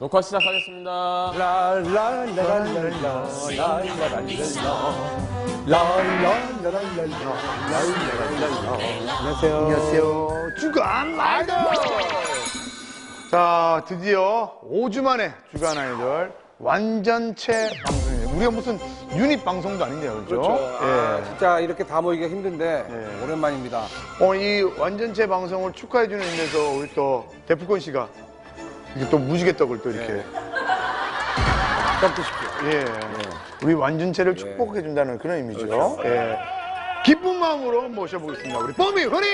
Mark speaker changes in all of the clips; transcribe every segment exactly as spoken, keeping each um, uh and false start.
Speaker 1: 녹화 시작하겠습니다.
Speaker 2: 안녕하세요. 안녕하세요. 주간 아이돌. 자, 드디어 오 주 만에 주간 아이돌 완전체 방송이에요. 우리가 무슨 유닛 방송도 아닌데요, 그렇죠?
Speaker 3: 그렇죠. 아,
Speaker 2: 예.
Speaker 3: 진짜 이렇게 다 모이기가 힘든데
Speaker 2: 예.
Speaker 3: 오랜만입니다.
Speaker 2: 어, 이 완전체 방송을 축하해주는 의미에서 우리 또 데프콘 씨가 이게 또 무지개 떡을 또 이렇게.
Speaker 3: 예. 떡 드십시오.
Speaker 2: 예. 우리 완전체를 축복해준다는 그런 의미죠. 예. 기쁜 마음으로 모셔보겠습니다. 우리 뽀미 흔히!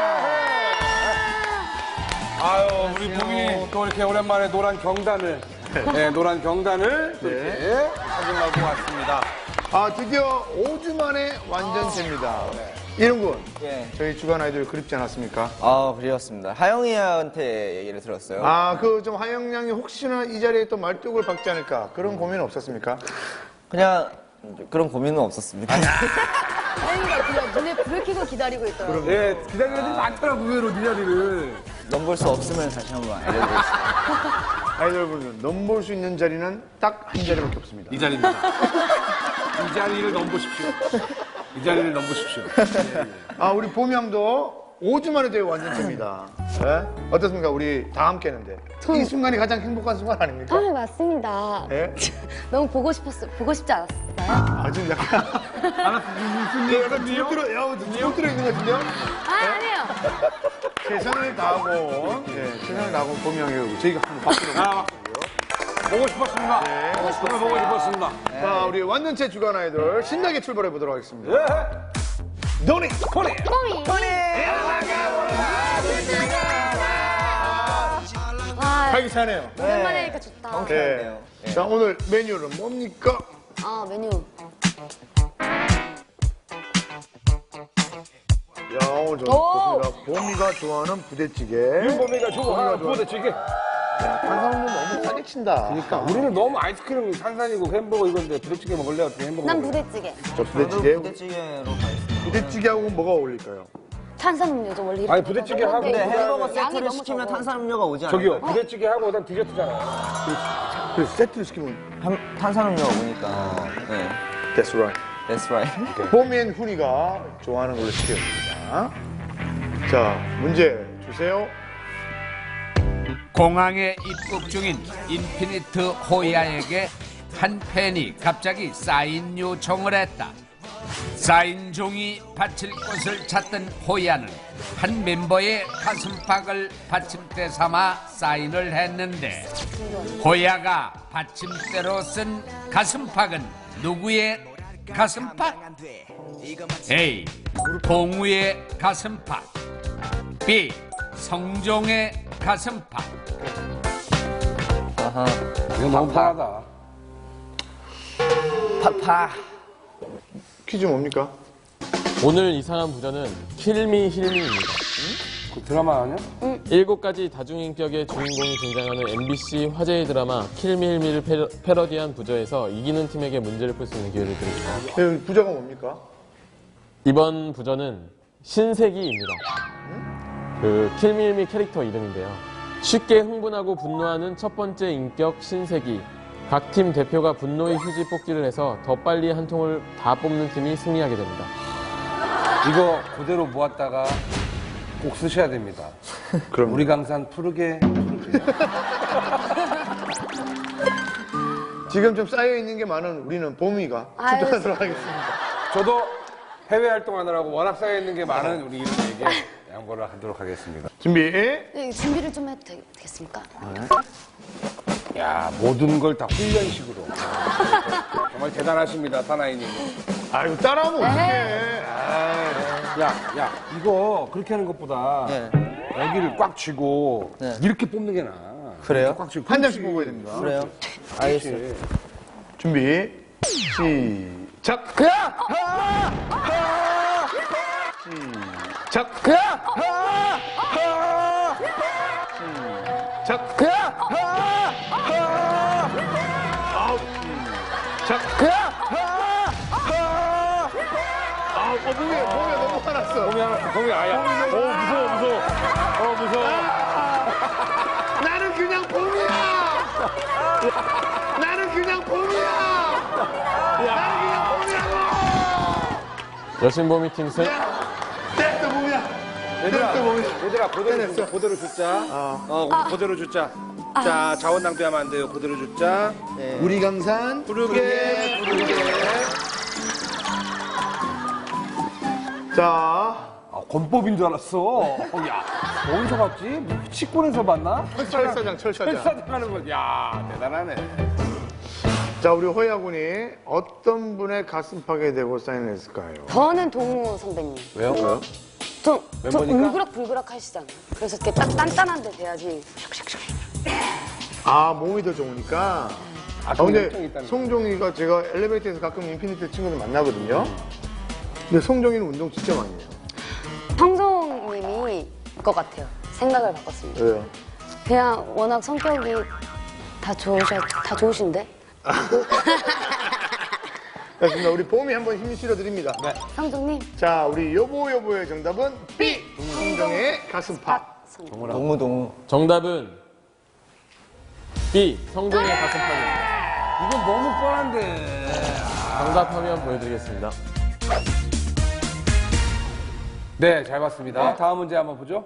Speaker 3: 아유, 우리 봄이 또 이렇게 오랜만에 노란 경단을, 네, 노란 경단을 또 이렇게 착용하고 왔습니다.
Speaker 2: 아, 드디어 오 주 만에 완전체입니다. 이름군,
Speaker 4: 예.
Speaker 2: 저희 주간 아이돌 그립지 않았습니까?
Speaker 4: 아, 그리웠습니다. 하영이한테 얘기를 들었어요.
Speaker 2: 아, 그 좀 하영 양이 혹시나 이 자리에 또 말뚝을 박지 않을까 그런 고민은 없었습니까?
Speaker 4: 그냥 그런 고민은 없었습니다.
Speaker 5: 하영이가 그냥 눈에 불을 켜고 기다리고 있더라고요.
Speaker 3: 네, 기다리는 애들이 많더라고, 의외로 네 자리를.
Speaker 4: 넘볼 수 없으면 다시 한번 알려드리겠습니다.
Speaker 2: 아이돌분은 넘볼 수 있는 자리는 딱 한 자리밖에 없습니다.
Speaker 3: 이 자리입니다. 이 자리를 넘보십시오. 이 자리를 넘보십시오.
Speaker 2: 아, 우리 봄이 형도 오 주 만에 저희 완전체입니다. 예? 어떻습니까? 우리 다 함께 했는데. 이 순간이 가장 행복한 순간 아닙니까?
Speaker 5: 아, 맞습니다.
Speaker 2: 예?
Speaker 5: 너무 보고 싶었어, 보고 싶지 않았어요?
Speaker 2: 아, 지금 약간. 무슨 일? 약간 누구 들어, 야, 누구 들어 있는 것 같은데요?
Speaker 5: 아, 아니에요.
Speaker 2: 최선을 다하고, 예, 최선을 다하고 봄이 형이 저희가 한번 박수로.
Speaker 3: 아, 보고 싶었습니다.
Speaker 2: 네.
Speaker 3: 정말 보고 싶었습니다.
Speaker 2: 자, 우리 완전체 주간 아이돌 신나게 출발해 보도록 하겠습니다. 노니!
Speaker 3: 포리!
Speaker 5: 뽀미. 와,
Speaker 2: 활기차네요.
Speaker 5: 오랜만에 하니까 좋다.
Speaker 2: 네. 자, 오늘 메뉴는 뭡니까?
Speaker 5: 아, 메뉴.
Speaker 2: 야, 오늘 저
Speaker 5: 오!
Speaker 2: 좋습니다. 봄이가 좋아하는 부대찌개.
Speaker 3: 윤범이가 좋아하는
Speaker 2: 좋아.
Speaker 3: 부대찌개.
Speaker 2: 탄산음료 너무 싸게 친다.
Speaker 3: 그러니까 우리는 너무 아이스크림 탄산이고 햄버거 이건데 부대찌개 먹을래? 어떻게 햄버거
Speaker 5: 난
Speaker 3: 먹을래?
Speaker 5: 부대찌개.
Speaker 2: 저
Speaker 4: 저도
Speaker 2: 부대찌개.
Speaker 4: 부대찌개로 가겠습니다.
Speaker 2: 부대찌개하고 뭐가 어울릴까요?
Speaker 5: 탄산음료죠, 원래. 이렇게
Speaker 3: 아니, 부대찌개하고
Speaker 5: 먹는데
Speaker 4: 근데 햄버거
Speaker 5: 양이
Speaker 4: 세트를
Speaker 5: 너무
Speaker 4: 시키면
Speaker 5: 적어.
Speaker 4: 탄산음료가 오지 않을까요?
Speaker 3: 저기요, 부대찌개하고 그다음 디저트잖아요.
Speaker 2: 그래서 세트를 시키면
Speaker 4: 한- 탄산음료가 오니까. 네.
Speaker 2: That's right.
Speaker 4: That's right.
Speaker 2: 봄이 앤 훈이가 좋아하는 걸로 시켰습니다. 자, 문제 주세요.
Speaker 6: 공항에 입국 중인 인피니트 호야에게 한 팬이 갑자기 사인 요청을 했다. 사인 종이 받칠 곳을 찾던 호야는 한 멤버의 가슴팍을 받침대 삼아 사인을 했는데 호야가 받침대로 쓴 가슴팍은 누구의 가슴팍? A. 동우의 가슴팍, B. 성종의 가슴팍.
Speaker 4: 아하.
Speaker 3: 이거 너무 편하다.
Speaker 4: 파파.
Speaker 2: 퀴즈 뭡니까?
Speaker 1: 오늘 이상한 부전은 킬미 힐미입니다.
Speaker 3: 그 드라마 아니야?
Speaker 1: 일곱 가지 다중인격의 주인공이 등장하는 엠비씨 화제의 드라마 킬미 힐미를 패러, 패러디한 부저에서 이기는 팀에게 문제를 풀 수 있는 기회를 드립니다.
Speaker 2: 네, 부자가 뭡니까?
Speaker 1: 이번 부저는 신세기입니다. 그 킬미힐미 캐릭터 이름인데요. 쉽게 흥분하고 분노하는 첫 번째 인격 신세기. 각 팀 대표가 분노의 휴지 뽑기를 해서 더 빨리 한 통을 다 뽑는 팀이 승리하게 됩니다.
Speaker 3: 이거 그대로 모았다가 꼭 쓰셔야 됩니다.
Speaker 2: 그럼
Speaker 3: 우리 강산 푸르게.
Speaker 2: 지금 좀 쌓여 있는 게 많은 우리는 봄이가
Speaker 5: 아유,
Speaker 2: 출전하도록 하겠습니다.
Speaker 3: 저도 해외 활동하느라고 워낙 쌓여 있는 게 많은 우리 이름에게 양보를 하도록 하겠습니다.
Speaker 2: 준비.
Speaker 5: 네, 준비를 좀 해도 되, 되겠습니까?
Speaker 3: 야, 모든 걸 다 훈련식으로. 정말 대단하십니다, 사나이님.
Speaker 2: 아유, 따라하면 어떡해.
Speaker 3: 야, 야, 이거 그렇게 하는 것보다
Speaker 4: 네.
Speaker 3: 여기를 꽉 쥐고
Speaker 4: 네.
Speaker 3: 이렇게 뽑는 게 나아.
Speaker 4: 그래요?
Speaker 3: 이렇게 꽉 쥐고.
Speaker 2: 한 장씩 뽑아야 됩니다.
Speaker 4: 그래요? 알겠어요.
Speaker 2: 준비. 시작.
Speaker 3: 그야!
Speaker 2: 시작.
Speaker 3: 그야!
Speaker 2: 시작.
Speaker 3: 그야!
Speaker 2: 아홉. 시작.
Speaker 3: 그야!
Speaker 2: 아우, 어, 봄이, 봄이 너무 화났어.
Speaker 3: 봄이 하나, 봄이 아야. 오, 무서워, 무서워. 어, 무서워.
Speaker 2: 나는 그냥 봄이야. 나는 그냥 봄이야. 나는 그냥 봄이라고.
Speaker 1: 여신보 미팅 승.
Speaker 2: 됐어 봄이야.
Speaker 3: 얘들아,
Speaker 2: 됐어 봄이야.
Speaker 3: 얘들아, 그대로, 주- 그대로 줬자. 어, 우리 그대로 줬자. 자, 자원 낭비하면 안 돼요. 그대로 줬자.
Speaker 2: 우리 강산
Speaker 3: 부르게, 부르게.
Speaker 2: 자
Speaker 3: 아, 권법인 줄 알았어. 어, 야, 어디서 봤지? 뭐 치권에서 봤나?
Speaker 2: 철사장 철사장.
Speaker 3: 철사장 하는 거. 야, 대단하네.
Speaker 2: 자 우리 호야 군이 어떤 분의 가슴팍에 대고 사인을 했을까요?
Speaker 5: 저는 동우 선배님.
Speaker 3: 왜요? 왜요?
Speaker 5: 좀, 좀
Speaker 3: 멤버니까?
Speaker 5: 울그락불그락 하시잖아요. 그래서 이렇게 딱 단단한 데 돼야지.
Speaker 2: 아 몸이 더 좋으니까.
Speaker 3: 아,
Speaker 2: 아 근데
Speaker 3: 열정이 있다는 거.
Speaker 2: 송종이가 제가 엘리베이터에서 가끔 인피니트 친구들 만나거든요. 근데 송종이는 운동 진짜 많이 해요.
Speaker 5: 형동님이 것 같아요. 생각을 바꿨습니다.
Speaker 2: 왜요?
Speaker 5: 그냥 워낙 성격이 다 좋으셔, 다 좋으신데?
Speaker 2: 알겠습니다. 우리 봄이 한번 힘 실어드립니다.
Speaker 3: 네.
Speaker 5: 형동님.
Speaker 2: 자 우리 여보 여보의 정답은 B. 송종의 가슴팍.
Speaker 4: 동우 동우.
Speaker 1: 정답은 B. 성종의 가슴팍입니다.
Speaker 3: 이건 너무 뻔한데.
Speaker 1: 정답 화면 보여드리겠습니다.
Speaker 3: 네, 잘 봤습니다. 다음 문제 한번 보죠.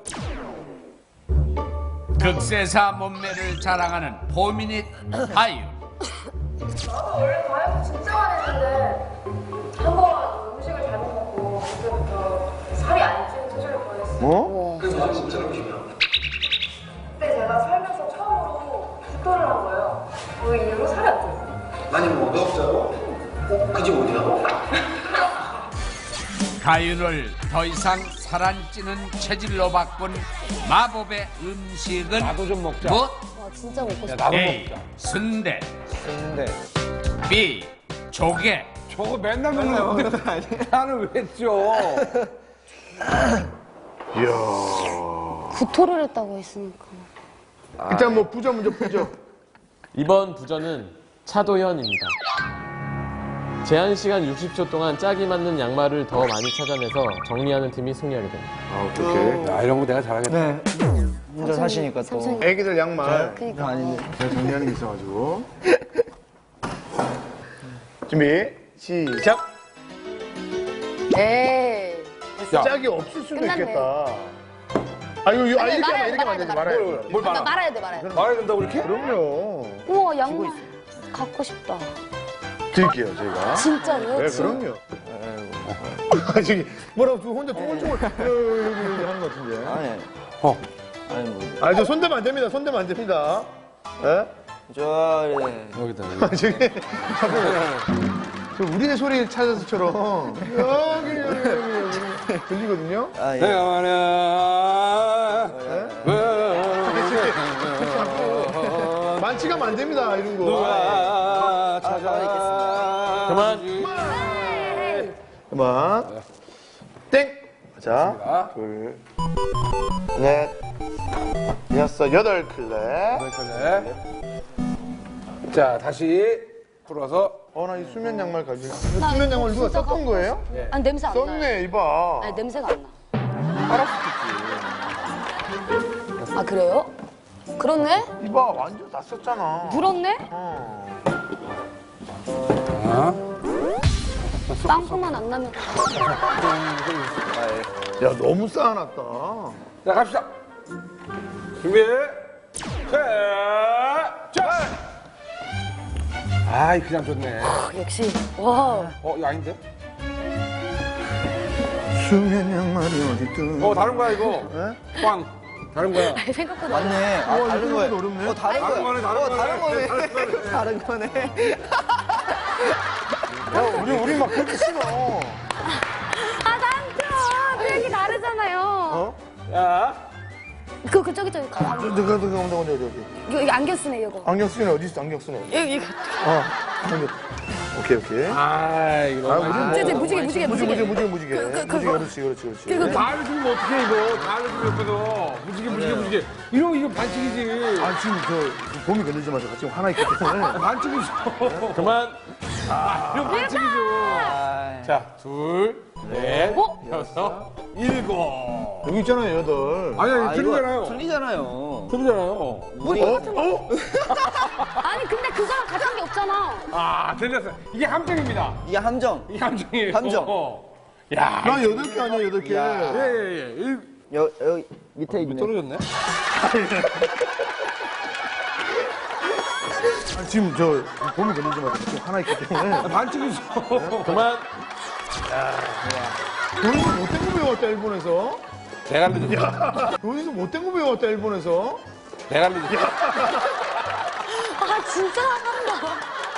Speaker 6: 극세사 몸매를 자랑하는 포미닛 아이유.
Speaker 7: 원래 다이어트 진짜 많이 했는데 한 번 음식을 잘못 먹고 그때부터 살이 안 찌는 체질을 보냈어요.
Speaker 2: 어?
Speaker 7: 그때 제가 살면서 처음으로 굿도를 한 거예요. 그 이후로 살이 안 쪄요.
Speaker 8: 아니 뭐 어렵자고? 그 집 어디야?
Speaker 6: 가윤을 더 이상 살 안 찌는 체질로 바꾼 마법의 음식은
Speaker 3: 나도 좀 먹자.
Speaker 6: 무엇?
Speaker 5: 와, 진짜 먹고 싶다.
Speaker 3: 나도
Speaker 6: A.
Speaker 3: 먹자.
Speaker 6: 순대.
Speaker 4: 근데
Speaker 6: B. 조개.
Speaker 3: 저거 맨날 먹는 거 아니야? 나는 왜 쪄?
Speaker 2: 이야.
Speaker 5: 구토를 했다고 했으니까.
Speaker 2: 일단 뭐 부자 먼저 부자.
Speaker 1: 이번 부전은 차도현입니다. 제한 시간 육십 초 동안 짝이 맞는 양말을 더 많이 찾아내서 정리하는 팀이 승리하게 됩니다.
Speaker 2: 아 어떡해.
Speaker 3: 야, 이런 거 내가 잘하겠다.
Speaker 4: 네. 혼자 사시니까 또.
Speaker 5: 삼촌.
Speaker 2: 애기들 양말
Speaker 5: 그니까.
Speaker 4: 아닌데.
Speaker 2: 제가 정리하는 게 있어가지고. 준비 시작.
Speaker 5: 에이.
Speaker 2: 짝이 없을 수도
Speaker 5: 끝났네.
Speaker 2: 있겠다. 아 이거 이거- 아,
Speaker 5: 아니,
Speaker 2: 이렇게
Speaker 5: 말아야
Speaker 2: 하면 이렇게 하면
Speaker 5: 돼,
Speaker 2: 안 되지
Speaker 5: 말아야
Speaker 2: 말아야
Speaker 3: 뭘,
Speaker 2: 돼.
Speaker 3: 뭘
Speaker 5: 아,
Speaker 3: 말아?
Speaker 5: 말아야 돼, 말아야 돼.
Speaker 3: 말해야 된다고 이렇게?
Speaker 2: 그럼요.
Speaker 5: 우와, 양말. 갖고 싶다.
Speaker 2: 드릴게요 저희가.
Speaker 5: 진짜로요?
Speaker 2: 네
Speaker 5: 진-
Speaker 2: 그럼요. 아 저기 뭐라고 저 혼자 쫑글쫑글 여기 여기 하는 것 같은데.
Speaker 4: 아니.
Speaker 3: 어.
Speaker 4: 아니 뭐.
Speaker 2: 아 저 손대면 안 됩니다. 손대면 안 됩니다. 예?
Speaker 4: 저 예.
Speaker 3: 여기다.
Speaker 2: 아, 저기 자꾸 저 우리네 소리 찾아서처럼 여기 여기 여기 여기 들리거든요.
Speaker 4: 아 예.
Speaker 3: 내가 말야.
Speaker 2: 만취가면 안 됩니다 이런 거.
Speaker 3: 누가 찾아.
Speaker 1: 그만.
Speaker 2: 그만. 땡. 자, 둘, 넷, 여섯, 여덟 클랩.
Speaker 3: 그래. 자, 다시 풀어서.
Speaker 2: 어, 나 이 수면 양말 가지고. 수면 양말 누가
Speaker 5: 진짜
Speaker 2: 썼던
Speaker 5: 갖고
Speaker 2: 거예요?
Speaker 5: 아니, 냄새 안 나요.
Speaker 2: 썼네, 이봐.
Speaker 5: 아니, 냄새가 안 나.
Speaker 2: 알았을
Speaker 5: 아, 그래요? 그렇네?
Speaker 2: 지 이봐, 완전 다 썼잖아.
Speaker 5: 물었네?
Speaker 2: 어.
Speaker 5: 빵꾸만 안 나면.
Speaker 2: 야, 너무 쌓아놨다.
Speaker 3: 자, 갑시다. 준비. 자, 자. 아이, 그냥 좋네.
Speaker 5: 역시. 와.
Speaker 3: 어, 이거 아닌데?
Speaker 2: 수면 양말이 어딨든.
Speaker 3: 어, 다른 거야, 이거.
Speaker 2: 예?
Speaker 3: 꽝. 다른 거야.
Speaker 5: 생각보다.
Speaker 4: 맞네. 아,
Speaker 2: 우와,
Speaker 4: 다른
Speaker 2: 이거
Speaker 4: 거네.
Speaker 2: 어렵네.
Speaker 4: 어, 다른
Speaker 3: 다른 거네,
Speaker 4: 거네.
Speaker 3: 다른
Speaker 4: 어,
Speaker 3: 거네.
Speaker 4: 다른 거네. 다른 거네.
Speaker 2: 야, 우리, 우리 막 그렇게 신어.
Speaker 5: 아, 삼촌! 그 얘기 다르잖아요.
Speaker 2: 어?
Speaker 3: 야.
Speaker 5: 그, 그, 저기, 저기. 가,
Speaker 2: 저, 저, 저, 저, 저, 저, 저, 저.
Speaker 5: 이거, 이거 안경 쓰네, 이거.
Speaker 2: 안경 쓰네, 어디 있어, 안경 쓰네.
Speaker 5: 이거, 이거.
Speaker 2: 어, 안경. 오케이, 오케이.
Speaker 3: 아, 이거
Speaker 2: 아,
Speaker 3: 너무.
Speaker 2: 무슨
Speaker 5: 저, 저, 무지개, 무지개,
Speaker 2: 무지개,
Speaker 5: 무지개.
Speaker 2: 무지개, 무지개.
Speaker 5: 그, 그,
Speaker 2: 무지개,
Speaker 5: 그거.
Speaker 2: 그렇지, 그렇지, 그렇지.
Speaker 5: 그리고
Speaker 3: 다 알려주면 어떡해, 이거. 다 알려주면 옆에서. 무지개, 무지개, 무지개. 이거, 이거 반칙이지.
Speaker 2: 아, 지금 저, 봄이 걸리지 마세요. 지금 하나 있기 때문에.
Speaker 3: 반칙이죠.
Speaker 1: 그만.
Speaker 3: 이거 반칙이죠.
Speaker 4: 아,
Speaker 3: 자, 둘, 넷,
Speaker 5: 어?
Speaker 3: 여섯, 일곱.
Speaker 2: 여기 있잖아요, 여덟.
Speaker 3: 아니, 아니,
Speaker 4: 아,
Speaker 3: 틀리잖아요.
Speaker 4: 이거 틀리잖아요.
Speaker 3: 틀리잖아요.
Speaker 2: 어? 어?
Speaker 5: 아니 근데 그거랑 같은 게 없잖아.
Speaker 3: 아, 틀렸어요. 이게 함정입니다.
Speaker 4: 이게 함정.
Speaker 3: 이게 함정이에요.
Speaker 4: 함정.
Speaker 3: 어. 야,
Speaker 2: 나 여덟 개 아니야, 여덟 개.
Speaker 3: 예, 예, 예. 일,
Speaker 4: 여, 여기 밑에 있네.
Speaker 3: 떨어졌네.
Speaker 2: 아, 지금 저 봄이 걸리지 마세요. 지금 하나 있기 때문에.
Speaker 3: 아, 반칙이죠.
Speaker 1: 그만.
Speaker 2: 돈에서 못된 거 배웠다, 일본에서.
Speaker 3: 내가 늦었어.
Speaker 2: 돈에서 못된 거 배웠다, 일본에서.
Speaker 3: 내가 늦었어.
Speaker 5: 아 진짜 한다.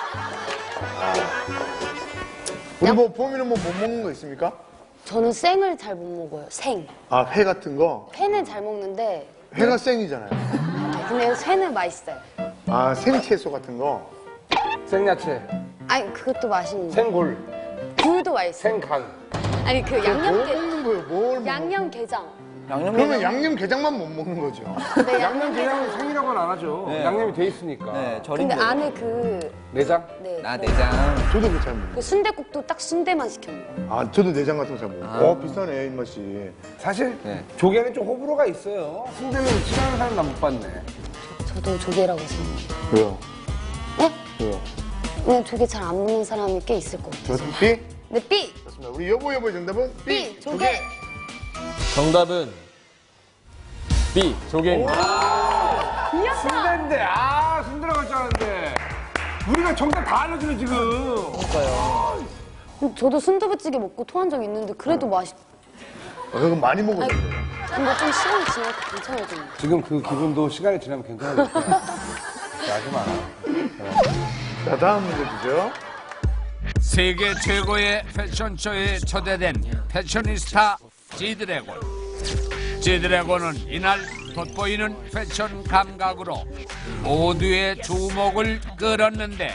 Speaker 2: 우리 뭐 봄이는 뭐 못 먹는 거 있습니까?
Speaker 5: 저는 생을 잘 못 먹어요. 생.
Speaker 2: 아, 회 같은 거.
Speaker 5: 회는 잘 먹는데
Speaker 2: 회가 생이잖아요.
Speaker 5: 근데 회는 맛있어요.
Speaker 2: 아, 생채소 같은 거.
Speaker 3: 생야채,
Speaker 5: 아니 그것도 맛있는데
Speaker 3: 생골,
Speaker 5: 굴도 맛있어요.
Speaker 3: 생간.
Speaker 5: 아니 그
Speaker 2: 뭘
Speaker 5: 양념게
Speaker 2: 먹는 거예요, 뭘 먹는
Speaker 5: 양념 게장.
Speaker 4: 양념.
Speaker 2: 그러면 양념게장만 못 먹는 거죠.
Speaker 5: 네,
Speaker 3: 양념
Speaker 5: 게장.
Speaker 3: 게장은 생이라고는 안 하죠.
Speaker 4: 네.
Speaker 3: 양념이 돼 있으니까.
Speaker 4: 네, 절인
Speaker 5: 근데
Speaker 4: 거.
Speaker 5: 안에 그
Speaker 3: 내장?
Speaker 5: 네.
Speaker 4: 나 내장.
Speaker 2: 저도 그잘 먹어요.
Speaker 5: 그 순대국도 딱 순대만 시켜 먹어요.
Speaker 2: 아, 저도 내장 같은 거 잘 먹어요. 어, 비싸네, 입맛이.
Speaker 3: 사실
Speaker 4: 네.
Speaker 3: 조개는 좀 호불호가 있어요. 순대는 싫어하는 사람 난 못 봤네.
Speaker 5: 저도 조개라고 생각해요.
Speaker 2: 왜요?
Speaker 5: 네?
Speaker 2: 왜요?
Speaker 5: 그냥 조개 잘 안 먹는 사람이 꽤 있을 것 같아요.
Speaker 2: 저도 B?
Speaker 5: 네, B!
Speaker 2: 좋습니다. 우리 여보 여보의 정답은 B.
Speaker 5: B! 조개!
Speaker 1: 정답은 B. 조개입니다.
Speaker 5: 이겼다!
Speaker 3: 순대인데, 아, 순대라고 할 줄 알았는데. 우리가 정답 다 알려주네, 지금.
Speaker 5: 저도 순두부찌개 먹고 토한 적 있는데 그래도 맛있...
Speaker 2: 아, 그건 많이 먹어야 돼요.
Speaker 5: 근데 좀 시간이 지나니까 괜찮아지네.
Speaker 3: 지금 그 기분도 시간이 지나면 괜찮아졌어요. 하지 마라.
Speaker 2: 자, 다음 문제 주죠.
Speaker 6: 세계 최고의 패션쇼에 초대된 패셔니스타 지드래곤. 지드래곤은 이날 돋보이는 패션 감각으로 모두의 주목을 끌었는데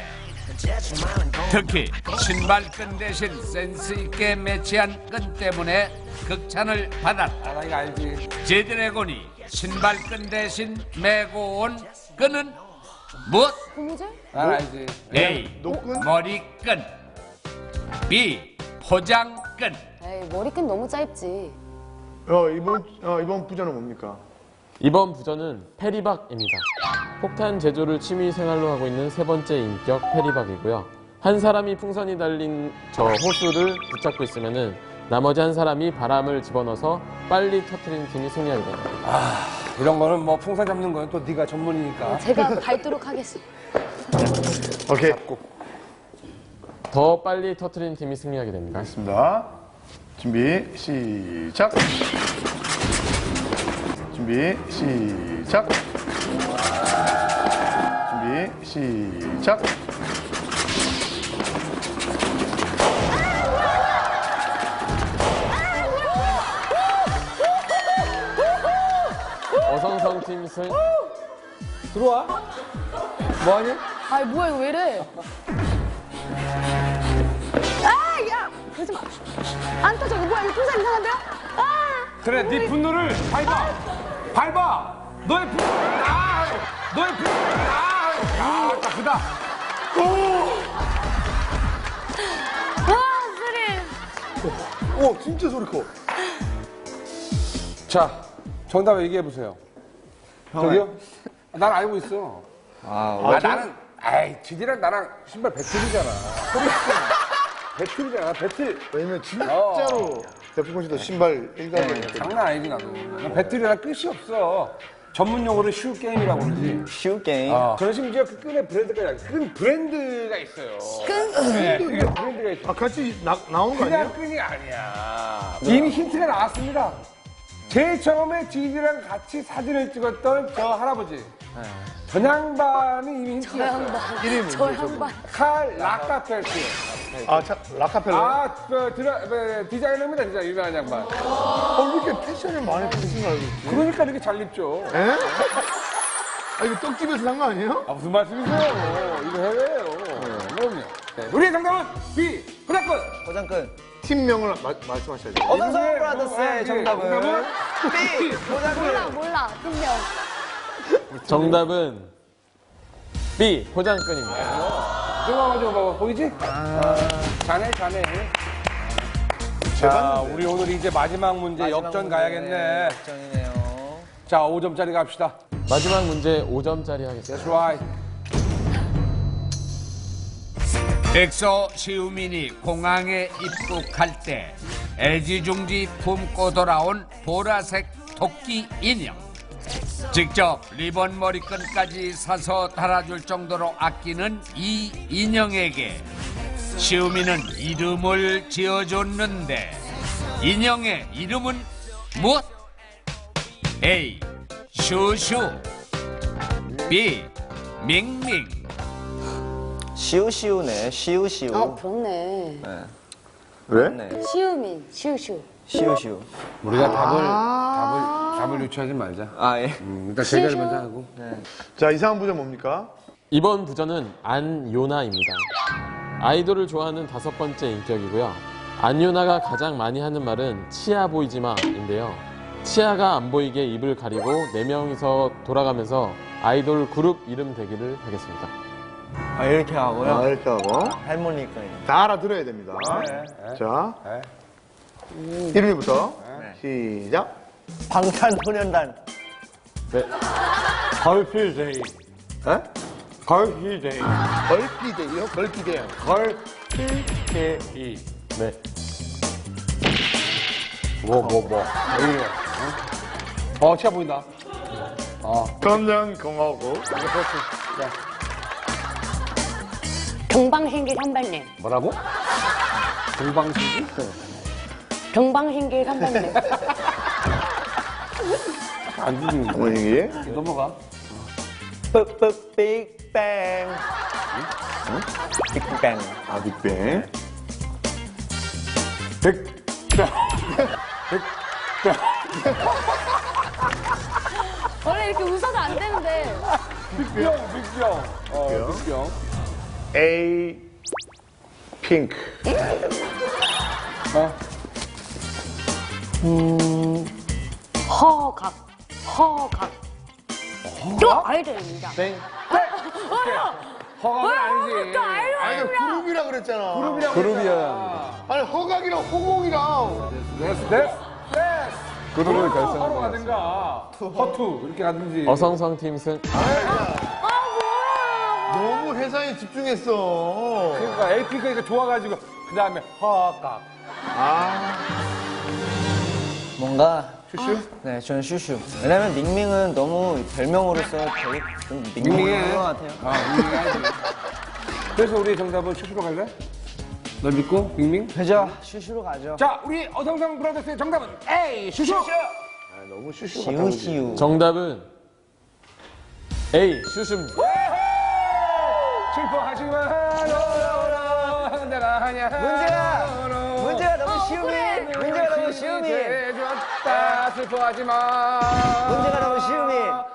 Speaker 6: 특히 신발끈 대신 센스 있게 매치한 끈 때문에 극찬을 받았다.
Speaker 3: 아, 나 이거 알지.
Speaker 6: 지드래곤이 신발끈 대신 메고 온 끈은 무엇?
Speaker 5: 고무줄?
Speaker 3: 난 알지.
Speaker 6: A.
Speaker 2: 노끈?
Speaker 6: 머리끈. B. 포장끈.
Speaker 5: 에이, 머리끈 너무 짧지.
Speaker 2: 어, 이번, 어, 이번 부자는 뭡니까?
Speaker 1: 이번 부전은 페리박입니다. 폭탄 제조를 취미 생활로 하고 있는 세 번째 인격 페리박이고요. 한 사람이 풍선이 달린 저 호수를 붙잡고 있으면은 나머지 한 사람이 바람을 집어넣어서 빨리 터트리는 팀이 승리하게 됩니다.
Speaker 3: 이런 거는 뭐 풍선 잡는 거는 또 네가 전문이니까.
Speaker 5: 제가 밟도록 하겠습니다.
Speaker 2: 오케이.
Speaker 1: 더 빨리 터트리는 팀이 승리하게 됩니다.
Speaker 2: 알겠습니다. 준비, 시작. 준비, 시작. 준비, 시작.
Speaker 1: 어성성 팀 승.
Speaker 3: 들어와. 뭐하니?
Speaker 5: 아이, 뭐야, 이거 왜 이래? 아, 야! 그러지 마. 안 터져. 이거 뭐야, 이거 풍선 이상한데요? 아!
Speaker 3: 그래, 네 분노를 밟아. 밟아. 너의 분노. 아, 너의 분노. 아, 야, 딱 크다.
Speaker 5: 아, 스릴.
Speaker 2: 오, 진짜 소리 커.
Speaker 3: 자, 정답 얘기해 보세요. 저기요? 난 알고 있어.
Speaker 4: 아,
Speaker 3: 아, 나는, 아이, 지디랑 나랑 신발 배틀이잖아. 배틀이잖아, 배틀.
Speaker 2: 왜냐면 진짜로 백종원 씨도 신발 일가견이니까.
Speaker 3: 장난 아니지, 나도. 난 배틀이랑 끝이 없어. 전문 용어로 슈 게임이라고 그러지.
Speaker 4: 쉬운 게임.
Speaker 3: 어. 저는 심지어 그 끈의 브랜드가, 끈 브랜드가 있어요. 끈? 네, 그게 브랜드가 있어.
Speaker 2: 아, 같이 나, 나온 거
Speaker 3: 그냥
Speaker 2: 아니에요?
Speaker 3: 끈이 아니야. 이미 힌트가 나왔습니다. 제일 처음에 지디랑 같이 사진을 찍었던 저 할아버지. 전 양반이 이미
Speaker 5: 저
Speaker 3: 힌트였어요.
Speaker 5: 양반.
Speaker 2: 이름이
Speaker 5: 저
Speaker 2: 뭐죠,
Speaker 5: 양반.
Speaker 3: 칼 라카펠트.
Speaker 2: 아, 자, 라카펠라.
Speaker 3: 아, 그, 드라, 그, 디자이너입니다, 진짜 유명한 양반.
Speaker 2: 어, 왜 이렇게 패션에 많이 관심 알고 있지?
Speaker 3: 그러니까 이렇게 잘 입죠.
Speaker 2: 에? 아, 이거 떡집에서 산 거 아니에요?
Speaker 3: 아, 무슨 말씀이세요? 이거 해외예요. 그럼요. 네. 우리의 정답은 B. 포장끈.
Speaker 4: 포장끈.
Speaker 2: 팀명을 마, 말씀하셔야죠.
Speaker 4: 어성성
Speaker 3: 이분의
Speaker 4: 브라더스의 정답은
Speaker 3: 정답은
Speaker 4: B.
Speaker 5: 몰라,
Speaker 4: 포장끈.
Speaker 5: 몰라. 분명.
Speaker 1: 정답은 B. 포장끈입니다.
Speaker 3: 저거 한번 좀 봐봐. 보이지? 아, 자네, 자네. 자,
Speaker 2: 봤는데.
Speaker 3: 우리 오늘 이제 마지막 문제
Speaker 4: 마지막
Speaker 3: 역전
Speaker 4: 문제,
Speaker 3: 가야겠네.
Speaker 4: 역전이네요.
Speaker 3: 자, 오 점짜리 갑시다.
Speaker 1: 마지막 문제 오 점짜리 하겠습니다.
Speaker 3: That's right.
Speaker 6: 엑소 시우민이 공항에 입국할 때 애지중지 품고 돌아온 보라색 토끼 인형. 직접 리본 머리끈까지 사서 달아줄 정도로 아끼는 이 인형에게 시우민은 이름을 지어줬는데 인형의 이름은 무엇? A. 슈슈 B. 밍밍
Speaker 4: 시우시우네, 시우시우.
Speaker 5: 어, 그렇네.
Speaker 2: 왜?
Speaker 4: 네.
Speaker 5: 시우민, 시우시우.
Speaker 4: 시우시우.
Speaker 3: 우리가 답을, 답을, 답을 유추하지 말자.
Speaker 4: 아, 예.
Speaker 3: 음, 일단 제기를 먼저 하고.
Speaker 2: 자, 이상한 부전 뭡니까?
Speaker 1: 이번 부전은 안요나입니다. 아이돌을 좋아하는 다섯 번째 인격이고요. 안요나가 가장 많이 하는 말은 치아 보이지 마인데요. 치아가 안 보이게 입을 가리고 네 명이서 돌아가면서 아이돌 그룹 이름 대기를 하겠습니다.
Speaker 4: 아, 이렇게 하고요.
Speaker 2: 아, 이렇게 하고.
Speaker 4: 할머니까.
Speaker 2: 다 알아들어야 됩니다. 자, 이름이부터 시작.
Speaker 4: 방탄소년단.
Speaker 1: 네,
Speaker 3: 걸필데이.
Speaker 2: 에?
Speaker 3: 걸필데이.
Speaker 2: 걸피데이요? 걸피데요.
Speaker 3: 걸필데이.
Speaker 1: 네.
Speaker 3: 뭐, 뭐, 뭐. 여기요. 어, 치아 보인다.
Speaker 2: 건강공화국.
Speaker 5: 동방신기 선배님.
Speaker 3: 뭐라고? 동방신기?
Speaker 5: 동방신기 선배님.
Speaker 3: 안 들리는데.
Speaker 2: 어머니.
Speaker 3: 넘어가.
Speaker 4: 뿌뿌 빅뱅. 빅뱅.
Speaker 2: 아, 빅뱅.
Speaker 3: 백,
Speaker 5: 원래 이렇게 웃어도 안 되는데.
Speaker 3: 빅병, 빅병. 어, 빅병.
Speaker 2: A 핑크.
Speaker 3: 어?
Speaker 5: 허각. 허각. 이거 아이들입니다.
Speaker 3: 땡. 허각은 아니지.
Speaker 2: 아니, 그룹이라 그랬잖아.
Speaker 3: 그룹이라고 그룹이야.
Speaker 2: 아니, 허각이랑 호공이랑.
Speaker 3: 됐어, 됐어, 됐어.
Speaker 1: 그룹을
Speaker 3: 하러
Speaker 1: 결성하고
Speaker 3: 가든가. 허투. 이렇게 가든지.
Speaker 1: 어성성 팀 승.
Speaker 2: 너무 회사에 집중했어.
Speaker 3: 그러니까 에이핑크가 좋아가지고. 그 다음에 허각.
Speaker 2: 아,
Speaker 4: 뭔가.
Speaker 3: 슈슈?
Speaker 4: 네, 저는 슈슈. 왜냐면 밍밍은 너무 별명으로서 되게 좀 밍밍한 것 같아요.
Speaker 3: 아, 밍밍하지. 그래서 우리 정답은 슈슈로 갈래? 널 믿고, 밍밍?
Speaker 4: 그죠? 슈슈로 가죠.
Speaker 3: 자, 우리 어성성 브라더스의 정답은 A, 슈슈!
Speaker 2: 아, 너무 슈슈 같아.
Speaker 4: 시우시우.
Speaker 1: 정답은 A, 슈슈입니다.
Speaker 3: 슬퍼하지 마요. 내가 하냐.
Speaker 4: 문제가, 문제가 너무 쉬우미. 문제가 너무 쉬우미.
Speaker 3: 죄졌다. 슬퍼하지 마.
Speaker 4: 문제가 너무 쉬우미.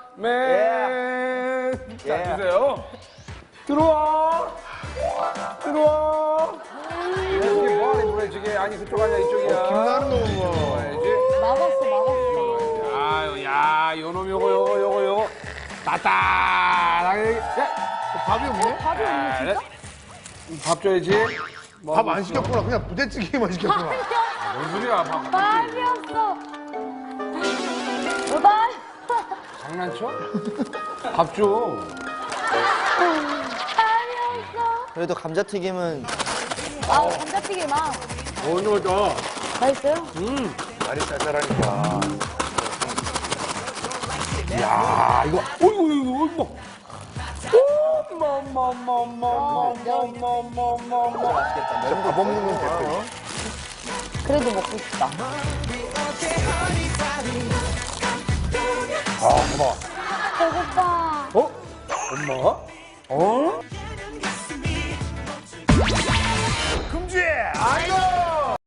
Speaker 3: 맨. 자,
Speaker 4: 예.
Speaker 3: 주세요. 들어와. 들어와. 이게 뭐하니, 노래 지게. 아니, 그쪽 아니야, 이쪽이야.
Speaker 2: 김나는 거 뭐.
Speaker 3: 들어와야지.
Speaker 5: 막았어, 막았어.
Speaker 3: 아유, 야, 요놈 요거, 요거, 요거, 요거. 따따하게. 야.
Speaker 2: 밥이 없네?
Speaker 5: 밥이 없네, 진짜?
Speaker 3: 밥 줘야지.
Speaker 2: 밥 안 시켰구나. 그냥 부대찌개만 시켰구나.
Speaker 3: 뭔 소리야, 밥.
Speaker 5: 밥이 없어. 밥.
Speaker 3: 장난쳐? 밥 줘.
Speaker 5: 밥이 없어.
Speaker 4: 그래도 감자튀김은
Speaker 5: 아, 감자튀김 막.
Speaker 3: 오늘 더.
Speaker 5: 맛있어요?
Speaker 2: 말이 쌀쌀하니까.
Speaker 3: 야, 이거, 어이구, 이거, 어이구. 엄마엄마엄마엄마엄마엄마엄마엄마.
Speaker 2: 밥 없는 건 대표.
Speaker 5: 그래도 먹고 싶다.
Speaker 3: 아, 봐봐.
Speaker 5: 배고파.
Speaker 3: 어? 엄마? 어?